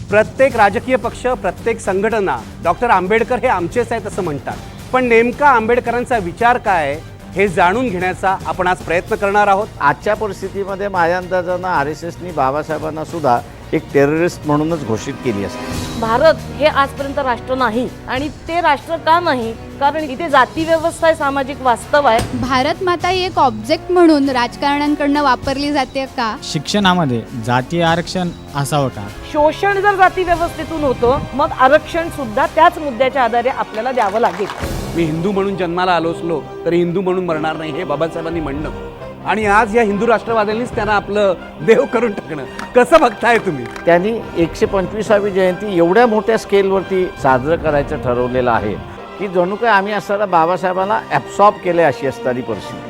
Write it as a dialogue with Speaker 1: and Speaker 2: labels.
Speaker 1: प्रत्येक राजकीय पक्ष, प्रत्येक संघटना डॉक्टर आंबेडकर हे आमचेच आहेत असं म्हणतात, पण नेमका आंबेडकरांचा विचार काय हे जाणून घेण्याचा आपण आज प्रयत्न करणार आहोत.
Speaker 2: आजच्या परिस्थितीमध्ये माझ्या अंदाजानं RSSनी बाबासाहेबांना सुद्धा एक टेररिस्ट म्हणूनच घोषित केली असते.
Speaker 3: भारत हे आजपर्यंत राष्ट्र नाही आणि ते राष्ट्र का नाही, कारण इथे जाती व्यवस्था आहे, सामाजिक वास्तव आहे.
Speaker 4: भारत माता ही एक ऑब्जेक्ट म्हणून राजकारण्यांकडनं वापरली जाते का?
Speaker 5: शिक्षणामध्ये जातीय आरक्षण असावं का?
Speaker 3: शोषण जर जाती व्यवस्थेतून होतं, मग आरक्षण सुद्धा त्याच मुद्द्याच्या आधारे आपल्याला द्यावं लागेल.
Speaker 1: मी हिंदू म्हणून जन्माला आलो असलो तरी हिंदू म्हणून मरणार नाही, हे बाबासाहेबांनी म्हणणं. आणि आज या हिंदू राष्ट्रवाद्यांनीच त्यांना आपलं देव करून टाकणं कसं बघताय तुम्ही?
Speaker 2: त्यांनी 125वी जयंती एवढ्या मोठ्या स्केलवरती साजरं करायचं ठरवलेलं आहे की जणू काय आम्ही असताना बाबासाहेबांना ॲब्सॉर्ब केले अशी असणारी परिस्थिती.